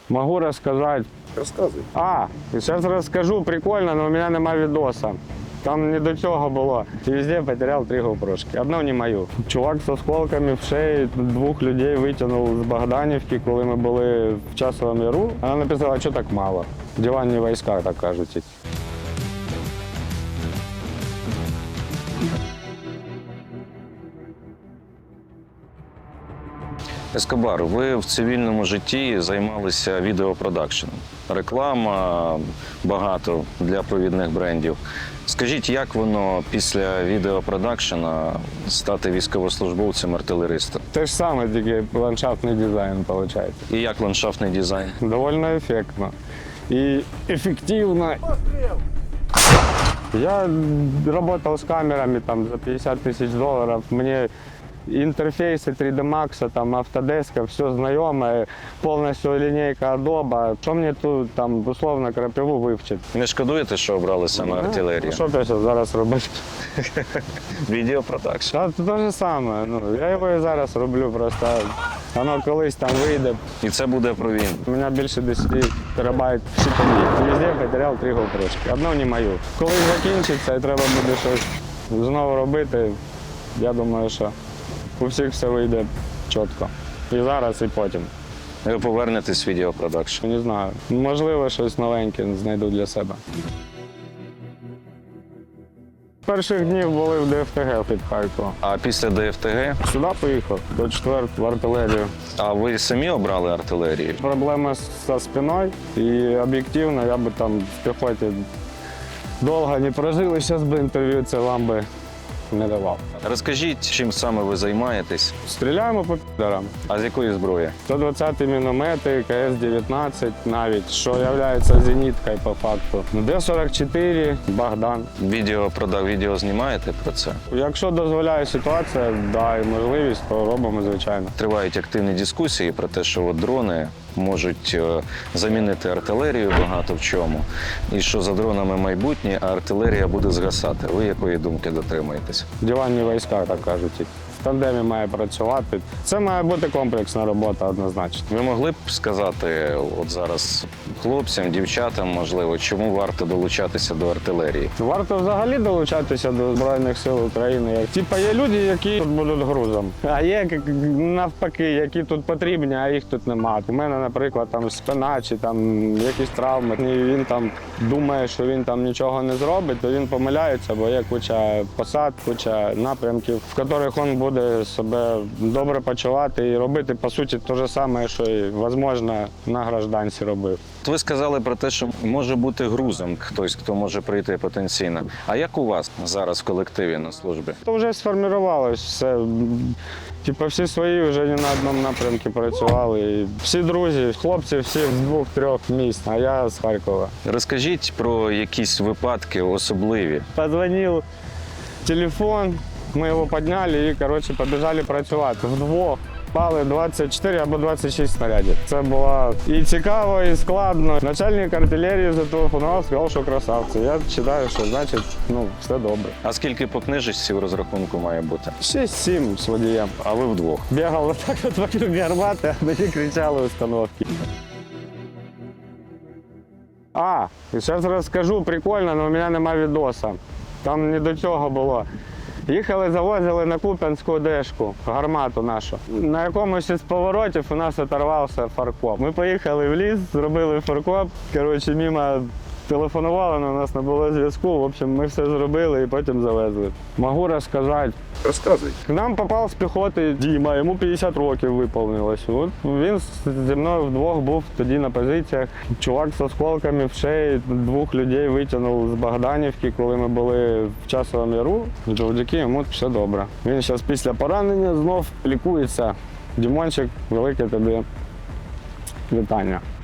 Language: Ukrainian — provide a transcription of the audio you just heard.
Могу рассказать. Розказуй. Сейчас расскажу, прикольно, но у меня нема відоса. Там не до цього було. І везде потеряв 3 GoPro-шки. Одну не мою. Чувак з осколками в шиї 2 людей витягнув з Богданівки, коли ми були в Часовому Яру. Вона написала, що так мало. Диванні війська, так кажуть. Ескобар, ви в цивільному житті займалися відеопродакшеном. Реклама багато для провідних брендів. Скажіть, як воно після відеопродакшена стати військовослужбовцем-артилеристом? Те ж саме, тільки ландшафтний дизайн, виходить. І як ландшафтний дизайн? Довольно ефектно. І ефективно. Я работал с камерами там, за 50 тысяч долларов. Мне интерфейсы 3D Max, там, Autodesk, все знайоме, повністю лінійка Adobe. Що мені тут там, условно крапиву вивчити? Не шкодуєте, що обрали саме артилерію? Що б я зараз робити? Відеопродакшн. Це те ж саме. Я його і зараз роблю, просто воно колись там вийде. І це буде про війну. У мене більше 10 терабайт щитові. Везде потеряв 3 GoPro-шки. Одну не мою. Коли закінчиться і треба буде щось знову робити, я думаю, що у всіх все вийде чітко. І зараз, і потім. Ви повернетесь в відеопродакшн. Не знаю. Можливо, щось новеньке знайду для себе. Перших днів були в ДФТГ під Харковом. А після ДФТГ? Сюди поїхав, до 4-ї в артилерію. А ви самі обрали артилерію? Проблема зі спиною і об'єктивно я би там в піхоті довго не прожили, зараз би інтерв'ю це вам би не давав. Розкажіть, чим саме ви займаєтесь, Стріляємо по підарам. а з якої зброї? 120 міномети, КС-19 навіть, що є зеніткою по факту. Д-44, Богдан. Відео знімаєте про це? Якщо дозволяє ситуація, да, і можливість, то робимо, звичайно. Тривають активні дискусії про те, що от дрони можуть замінити артилерію багато в чому, і що за дронами майбутнє, а артилерія буде згасати. Ви якої думки дотримуєтесь? Диванні війська, так кажуть. В тандемі має працювати. Це має бути комплексна робота однозначно. Ви могли б сказати от зараз хлопцям, дівчатам, можливо, чому варто долучатися до артилерії? Варто взагалі долучатися до Збройних сил України. Типа є люди, які тут будуть грузом, а є навпаки, які тут потрібні, а їх тут немає. У мене, наприклад, там спина чи там якісь травми. І він там думає, що він там нічого не зробить, то він помиляється, бо є куча посад, куча напрямків, в яких він буде себе добре почувати і робити, по суті, те ж саме, що і, можливо, на гражданці робив. Ви сказали про те, що може бути грузом хтось, хто може прийти потенційно. А як у вас зараз в колективі на службі? То вже сформувалось все. Типу всі свої вже не на одному напрямку працювали. І всі друзі, хлопці всі з 2-3 міст, а я з Харкова. Розкажіть про якісь випадки особливі. Позвонив телефон, ми його підняли і, коротше, побіжали працювати. Вдвох пали 24 або 26 снарядів. Це було і цікаво, і складно. Начальник артилерії зателефонував, сказав, що красавці. Я вважаю, що значить, все добре. А скільки по книжечці в розрахунку має бути? 6-7 з водієм. А ви вдвох? Бігав отак от вокруг гармати, а мені кричали установки. І зараз розкажу, прикольно, але у мене нема відоса. Там не до цього було. Їхали, завозили на Куп'янську Дешку, гармату нашу. На якомусь із поворотів у нас оторвався фаркоп. Ми поїхали в ліс, зробили фаркоп, мимо телефонували, але у нас не було зв'язку. В общем, ми все зробили і потім завезли. Можу розказати. Розказуй. К нам попав з піхоти Діма, йому 50 років виповнилось. От він зі мною вдвох був тоді на позиціях. Чувак з осколками в шиї 2 людей витягнув з Богданівки, коли ми були в Часовому Яру. Завдяки йому все добре. Він зараз після поранення знов лікується. Дімончик, велике тобі вітання.